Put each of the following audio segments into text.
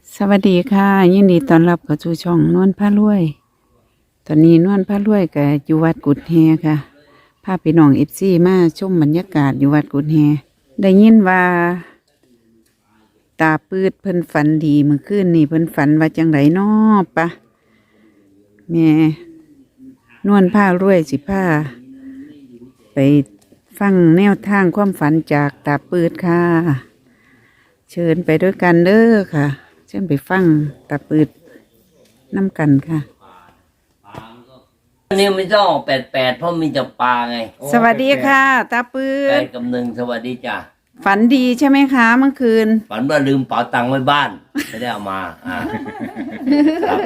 สวัสดีค่ะยินดีต้อนรับเข้าสู่ช่องนวลพารวยตอนนี้นวลพารวยกับอยู่วัดกุดแฮค่ะพาพี่น้องFCมาชมบรรยากาศอยู่วัดกุดแฮได้ยินว่าตาปืดเพิ่นฝันดีเมื่อคืนนี่เพิ่นฝันว่าจังไดน้อปะแม่นวลพารวยสิพาไปฟังแนวทางความฝันจากตาปืดค่ะเชิญไปด้วยกันเด้อค่ะเชิญไปฟังตาปืดน้ำกันค่ะอันนี้ไม่ต้องออก88เพราะมีแต่ปลาไงสวัสดีค่ะ ตาปืแปดดกับหนึ่งสวัสดีจ้ะฝันดีใช่ไหมคะเมื่อคืนฝันว่าลืมเป๋าตังค์ไว้บ้าน ไม่ได้เอามาครับ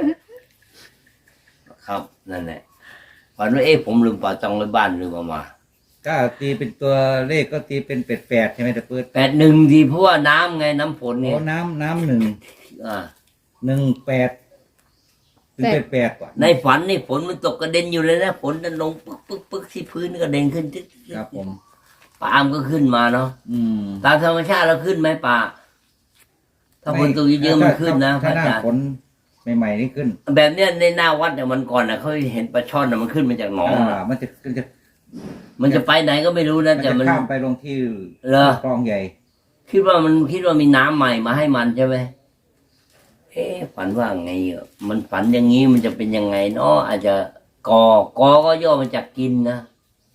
ครับนั่นแหละฝันว่าผมลืมเป๋าตังค์ไว้บ้านลืมเอามาก็ตีเป็นตัวเลขก็ตีเป็น8ใช่ไหมตะปืด 81ดีเพราะว่าน้ำไงน้ำฝนไงโอ้น้ำหนึ่งอ่า 18เป็น8กว่าในฝันนี่ฝนมันตกกระเด็นอยู่เลยนะฝนมันลงปึ๊กที่พื้นกระเด็นขึ้นครับผมปลามก็ขึ้นมาเนาะ ตามธรรมชาติเราขึ้นไหมปลาถ้าฝนตกเยอะๆมันขึ้นนะพถ้าระหอาน้าจารย์ฝนใหม่ๆนี่ขึ้นแบบเนี้ยในหน้าวัดเนี่ยมันก่อนนะเขาเห็นปลาช่อนนะมันขึ้นมาจากหนองน่ะมันจะมันจะไปไหนก็ไม่รู้นะมันแต่จะมันข้ามไปลงที่เหรอคลองใหญ่คิดว่ามีน้ำใหม่มาให้มันใช่ไหมฝันว่าไงมันฝันอย่างนี้มันจะเป็นยังไงเนาะอาจจะกก็ย่อมาจากกินนะ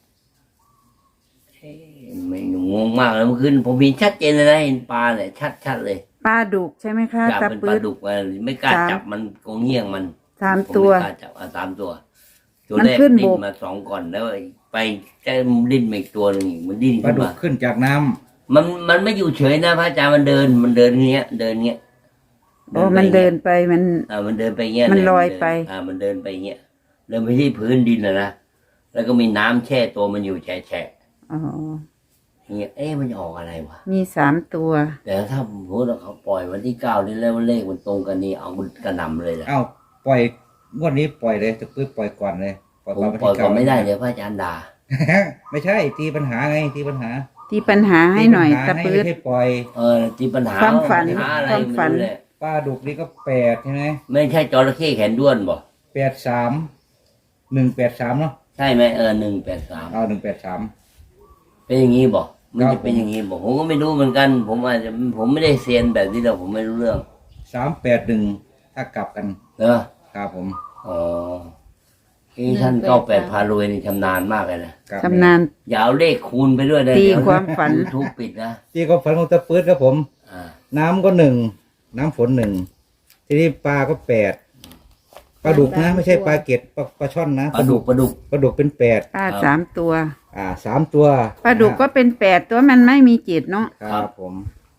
ไม่งงมากเลยเมื่อคืนผมเห็นชัดเจนเลยนะเห็นปลาเนี่ยชัดเลยปลาดุกใช่ไหมคะจับตาเป็นปืปลาดดุกไม่กล้าจับมันโกงเงี้ยงมันสามผมตัวไม่กล้าจับ3 ตัวตัวมันแรกขึ้นดิ้บนกมา2ก่อนแล้วไปจะดิ้นมาอีกตัวหนึงอีกมันดิ้นปลาขึ้นดุกมาขึ้นจากน้ำมันไม่อยู่เฉยนะพระอาจารย์มันเดินเงี้ยเดินเงี้ยโอ้มันเดินไปมันมันเดินไปเงี้ยมันลอยไปมันเดินไปเงี้ยเดินไปที่พื้นดินนะแล้วก็มีน้ำแช่ตัวมันอยู่แฉะอ๋อเงี้ยมันจะออกอะไรวะมี3 ตัวแต่ถ้าสมมติว่าเขาปล่อยวันที่9นี่แล้วเลขมันตรงกันนี่เอามันกระหน่ำเลยแหละเอ้าปล่อยงวดนี้ปล่อยเลยตะปืดปล่อยก่อนเลยปล่อยผมก่อนวันปล่อยที่ก่อน 9 ไม่ได้เลยพระอาจารย์ด่าไม่ใช่ตีปัญหาไงตีปัญหาที่ปัญหาให้หน่อยตีตาปัญหาปืให้ดไม่ใช่ปล่อยที่ปัญหาความฝันปัญหาอะไรความฝันไม่รู้แหละปลาดุกนี่ก็8ใช่ไหมไม่ใช่จระเข้แขนด้วนบ่ 83 183เนาะใช่ไหม183 เอา183 เป็นอย่างนี้บ่มันครัจะบเป็นอย่างนี้บ่ผมก็ไม่รู้เหมือนกัน ผมไม่ได้เซียนแบบที่เราผมไม่รู้เรื่อง 381ถ้ากลับกันเนอะครับผมอ๋อท่าน98พารวยนี่ชำนาญมากเลยนะครับชำนาญอย่าเอาเลขคูณไปด้วยนะตีเดี๋ยความฝันทุกปิดนะที่ก็ฝันของตะปืดครับผมอ่าน้ำก็1น้ำฝน1ทีนี้ปลาก็8ปลาดุกนะไม่ใช่ปลาเกล็ดปลาช่อนนะปลาดุกปลาดุกเป็น8 ปลา3 ตัว 3 ตัวปลาดุกก็เป็น8 ตัวมันไม่มีจิตเนาะครับผม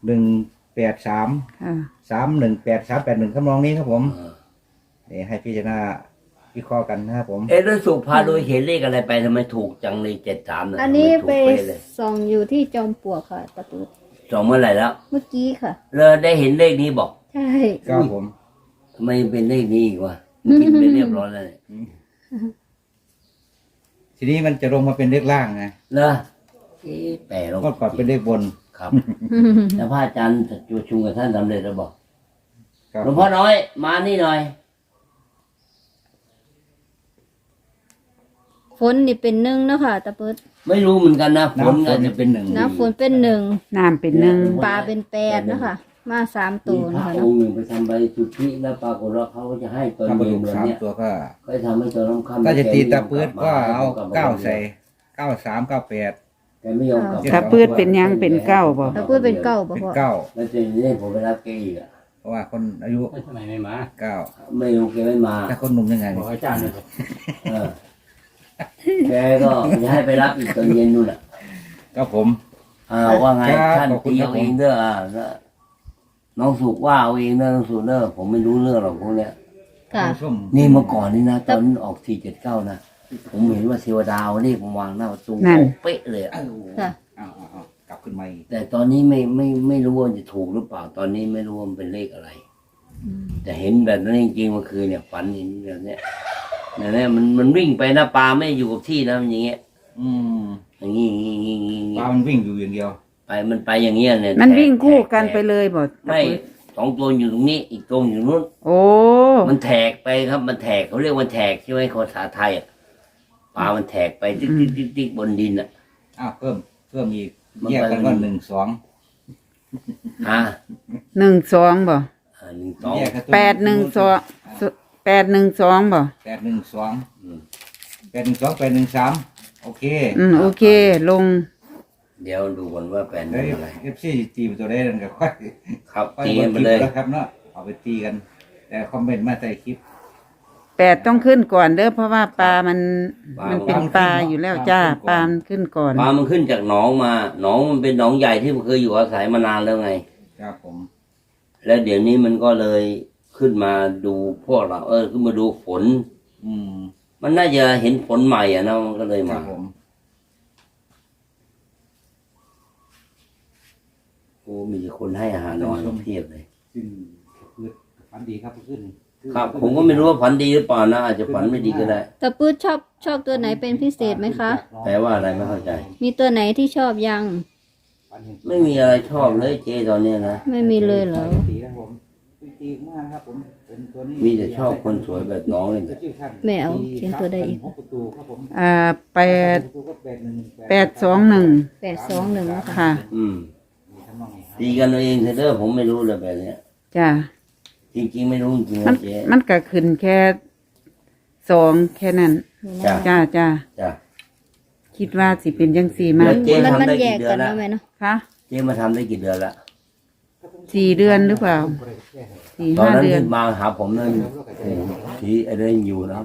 183 ค่ะ 318 381คำนองนี้ครับผมเออนี่ให้พิจารณาวิเคราะห์กันนะครับผมแล้วสุพารวยเห็นเลขอะไรไปทำไมถูกจังเลย73นะอันนี้ทำไปมถูกเป๊ะเลยส่องอยู่ที่จอมปลวกค่ะตะปืดสองเมื่อไหร่แล้วเมื่อกี้ค่ะเลยได้เห็นเลขนี้บอกใช่ครับผมทำไมเป็นเลขนี้อีกวะกินไปเรียบร้อยแล้วเนี่ยทีนี้มันจะลงมาเป็นเลขล่างไงเหรอแปลลงก็ก่อนเป็นเลขบนครับแล้วพระอาจารย์จูชุงกับท่านสำเร็จแล้วบอกครับหลวงพ่อน้อยมานี่หน่อยฝนนี่เป็น1เนาะค่ะตะปืดไม่รู้เหมือนกันนะฝนน้ำฝอาจนจะเป็นเป็น1 น้ำฝนเป็น1 น้ำเป็น1 ปลาเป็น8เนาะค่ะ มา3ตัวมีพระนะคะอเนาะงค์หนึ่งไปทำใบสุทธิแล้วปรากฏว่าเขาจะให้ตอนถ้าปลาเย็ดุนกวัน 3 เนี้ยตัวก็ก็ทำให้ตอนน้ำค่ำถ้าจะตีตะแกปืดไม่ยก็มเอากลับบ้น 9ใส่93 98 แกไม่ยอมกลับตาปืดเป็นยังเป็น9บ่ตะปืดเป็น9บ่เป็นพ่อ 9 แล้วจะเรียกผมไปรับแกอีกอ่ะเพราะว่าคนอายุทำไมไม่มา 9 ไม่รู้แกไม่มาถ้าคนหนุ่มยังไงบอกอาจารย์เลยครับเออแกก็จะให้ไปรับอีกตอนเย็นนู่นอ่ะครับผมว่าไงครับท่านขอบคุณตีครับเอาเองเด้อน้องสุกว่าเอาเองเด้อน้องสุกเด้อผมไม่รู้เรื่องหรอกพวกเนี้ยค่ะส้มนี่เมื่อก่อนนี่นะตอนออก479นะผมเห็นว่าเทวดาเอาเลขมาวางหน้าประตูนั่นเป๊ะเลยอะค่ะเอากลับขึ้นมาอีกแต่ตอนนี้ไม่รู้ว่าจะถูกหรือเปล่า ตอนนี้ไม่รู้ว่ามันเป็นเลขอะไร แต่เห็นแบบนั้นจริงๆเมื่อคืนเนี่ยฝันเห็นแบบเนี้ยเนี่ยมันวิ่งไปนะปลาไม่อยู่กับที่นะมันอย่างเงี้ยอืมอย่างงี้อย่างงี้อย่างงี้ปลามันวิ่งอยู่อย่างเดียวมันไปอย่างเงี้ยเนี่ยมันวิ่งคู่กันไปเลยบ่ตาไม่ปืดต 2 ตัวอยู่ตรงนี้ อีกตัวอยู่นู้นโอ้มันแถกไปครับ มันแถกเขาเรียกว่าแถกใช่ไหมภาษาไทยอ่ะปลามันแถกไปติ๊กติ๊กติ๊กติ๊กบนดินอ่ะอ้าวเพิ่มอีกมันแยกกันก็ไป 1 2 ฮะ 12บ่ 1 2 แยกกันตัว 812บ่ 812 อืม 812 813โอเคโอเค ลงเดี๋ยวดูก่อนว่าแปลนเฮ้เป็นยอะไร FC ตีเป็นตัวได้นั่นก็ค่อยครับค่อยตีเบิ่กันงไปคลิปเลยแล้วครับเนาะเอาไปตีกัน แต่คอมเมนต์มาใต้คลิป 8ต้องขึ้นก่อนเด้อเพราะว่าปลามันปลามัมันเป็นปลาอยู่แล้วจ้าปลามันขึ้นก่อนปลามันขึ้นจากหนองมา หนองมันเป็นหนองใหญ่ที่มันเคยอยู่อาศัยมานานแล้วไงครับผมแล้วเดี๋ยวนี้มันก็เลยขึ้นมาดูพวกเราขึ้นมาดูฝนอืมมันน่าจะเห็นฝนใหม่อ่ะนะมันก็เลยครัมาบผมโอ้มีแต่คนให้อาหารนอนเพียบเลยซึ่งคือฝันดีครับขึ้นครับ ผมก็ไม่รู้ว่าฝันดีหรือเปล่านะอาจจะฝันไม่ดีก็ได้ตะปื๊ดชอบตัวไหนเป็นพิเศษไหมคะแปลว่าอะไรไม่เข้าใจมีตัวไหนที่ชอบยังไม่มีอะไรชอบเลยเจตอนเนี้ยนะไม่มีเลยเหรอตีครับผมตีมากครับผมเป็นตัวนี้มีแต่ชอบคนสวยแบบน้องเลยเนี่ยไม่เอาเขียนตัวใดอีกประตูครับผม 8 ประตูก็821 821 821นะคะค่ะอืมมีทั้งน้องนี่ครับตีกันเอาเองเถอะเด้อผมไม่รู้เลยแบบเนี้ยจ้าจริงๆไม่รู้จริงๆมันนะเจ๊มันก็ขึ้นแค่2แค่นั้นจ้ะจ้าจ้ะคิดว่าสิเป็นจังซี่มาแล้วกเจ๊มันทำได้แยกี่กเดือกัน นแล้วแล้วไหมเนาะค่ะเจ๊มาทำได้กี่เดือนละ 4 เดือนหรือเปล่าตอน 4-5 นั้นเดือนที่มาหาผมนั่นปู่ที่อะไรอยู่นะ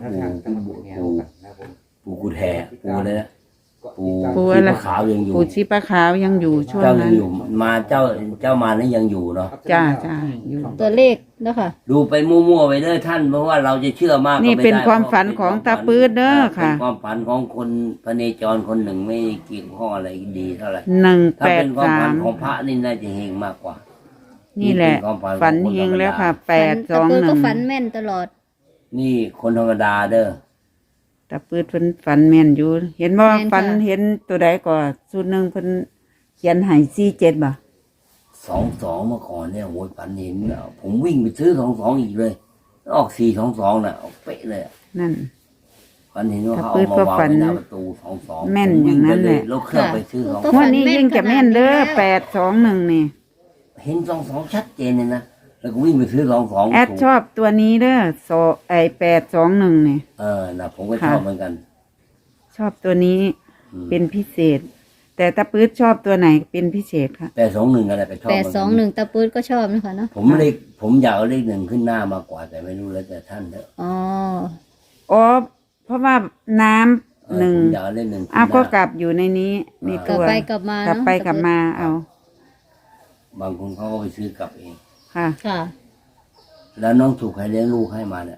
ปู่กูแห่ปู่อะไรนะปู่ปู่อะไรที่ขาวยังอยู่ปูชีปลาขาวยังอยู่ช่วงเจ้ายันั้งนอยู่มาเจ้ามานี่ยังอยู่เนาะจ้าอยู่ตัวเลขนะคะดูไปมั่วๆไปเด้อท่านเพราะว่าเราจะเชื่อมากก็นี่ไม่ได้เป็นความฝันของตาปื๊ดเด้อค่ะเป็นความฝันของคนพเนจรคนหนึ่งไม่เกี่ยวข้องอะไรดีเท่าไหร่ 1 ถ้าเป็นความฝันของ 8 พระนี่น่าจะเฮงมากกว่า 3นี่แหละเป็นความฝันของฝันเฮงแล้วค่ะตะปื๊ดก็ฝัน 821 แม่นตลอดนี่คนธรรมดาเด้อตาปื๊ดเพิ่นฝันแม่นอยู่ เห็นบ่แม่นค่ะฝันเห็นตัวใดก็สูตรหนึงเพิ่นเขียนให้47บ่ 22เมื่อก่อนเนี่ยโหยฝันเห็นอะผมวิ่งไปซื้อ22อีกเลย ออก422น่ะออกเป๊ะเลยอะนั่นฝันเห็นว่าเขาถ้าปื๊เอาดมาวางก็ฝันไว้หน้าประตู22 แม่นอย่างนั้นแหละรถเครื่องไปซื้อก็งฝัวดนี้ยิ่งจะแม่นเด้อแม่นขนาดนี้แล้ว 821นี่เห็น22ชัดเจนเลยนะแล้วก็วิ่งไปซื้อ22 แอดชอบตัวนี้เด้อ821นี่นะผมก็ชอบเหมือนกันชอบตัวนี้อืมเป็นพิเศษ แต่ตาปื๊ดชอบตัวไหนเป็นพิเศษค่ะ 821อะไรไปชอบเหมือนกัน 821ตะปื๊ดก็ชอบนะคะเนาะผมอยากเอาเลข 1ขึ้นหน้ามากกว่าแต่ไม่รู้แล้วแต่ท่านเถอะอ๋ออ๋อเพราะว่าน้ำหนึ่งผมอยากเอาเลข 1ขึ้นหอ้าวน้าก็กลับอยู่ในนี้ในกลัตับวไปกลับมากลับเนาะไปกลับมาเอาบางคนเขาก็ไปซื้อกลับเองค่ะค่ะแล้วน้องถูกใครเลี้ยงลูกให้มาเนี่ย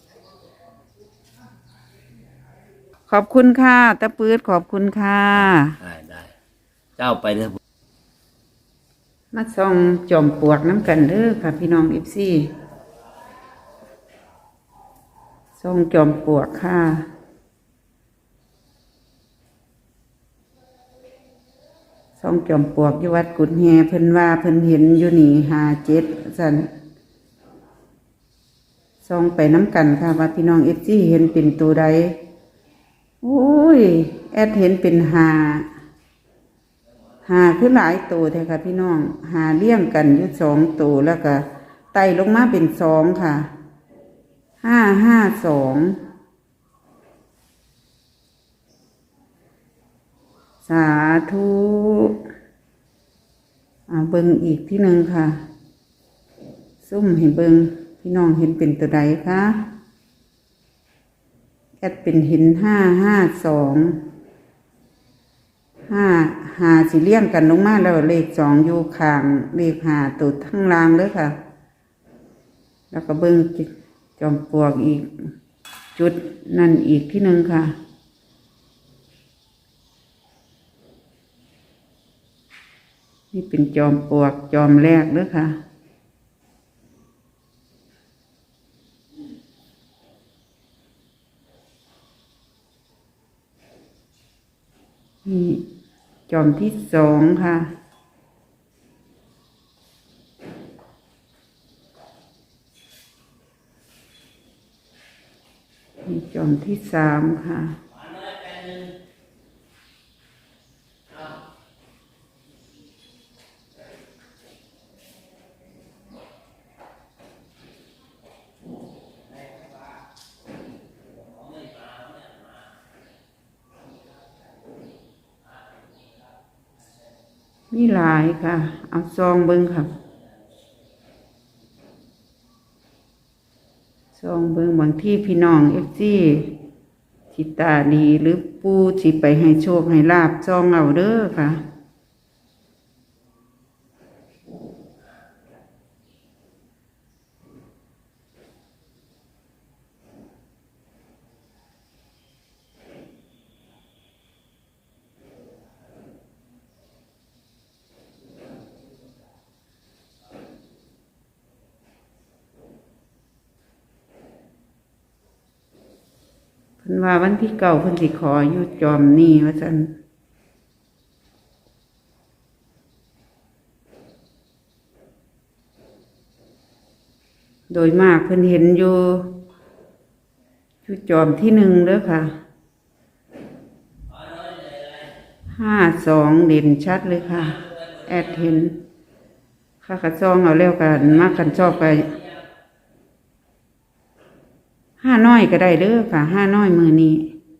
ขอบคุณค่ะตาปื๊ดขอบคุณค่ะได้เจ้าไปเลยมาส่องจอมปลวกน้ำกันเด้อค่ะ พี่น้องFCส่องจอมปลวกค่ะส่องจอมปลวกอยู่วัดกุดแฮเพิ่นว่าเพิ่นเห็นอยู่นี่57ซั่นส่องไปน้ำกันค่ะว่าพี่น้องFCเห็นเป็นตัวใดโอ้ยแอดเห็นเป็นหาคือหลายตัวแท้ค่ะพี่น้องหาเลี้ยงกันอยู่2ตัวแล้วก็ไต่ลงมาเป็น2ค่ะ552สาธุเบิ่งอีกที่หนึ่งค่ะ ซุ่มให้เบิ่งพี่น้องเห็นเป็นตัวใดคะแอดเป็นเห็น552สิเลี้ยงกันลงมาแล้วเลข2อยู่ข้างเลข5ตัวทั้งล่างเลยค่ะ แล้วก็เบิ่งจอมปลวกอีกจุดนั่นอีกที่หนึ่งค่ะนี่เป็นจอมปลวกจอมแรกเลยค่ะนี่จอมที่2ค่ะนี่จอมที่สามค่ะ มีหลายค่ะ เอาซองเบิ่งค่ะซองเบิ่งบางที่พี่น้องFCสิตาดีหรือปู่สิไปให้โชคให้ลาบซองเอาเด้อค่ะ เพิ่นว่าวันที่เก้าเพิ่นสิขออยู่จอมนี่ว่าซั่นโดยมากเพิ่นเห็นอยู่จอมที่หนึ่งเด้อค่ะ52เด่นชัดเลยค่ะ แอดเห็นค่ะกระซองเอาแล้วกันมากกันชอบไป5น้อยก็ได้เด้อค่ะ5น้อยมื้อนี้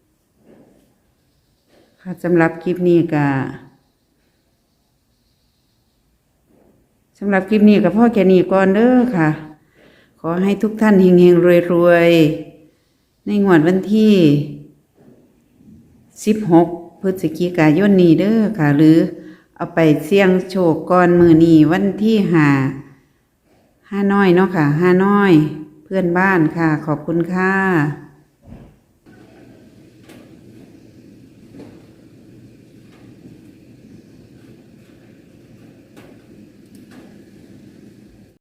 ค่ะสำหรับคลิปนี้ก็พ่อแค่นี้ก่อนเด้อค่ะ ขอให้ทุกท่านเฮงๆรวยๆในงวดวันที่16พฤศจิกายนนี้เด้อค่ะ หรือเอาไปเสี่ยงโชคก่อนมื้อนี้วันที่5น้อยเนาะค่ะ5น้อยเพื่อนบ้านค่ะขอบคุณค่ะ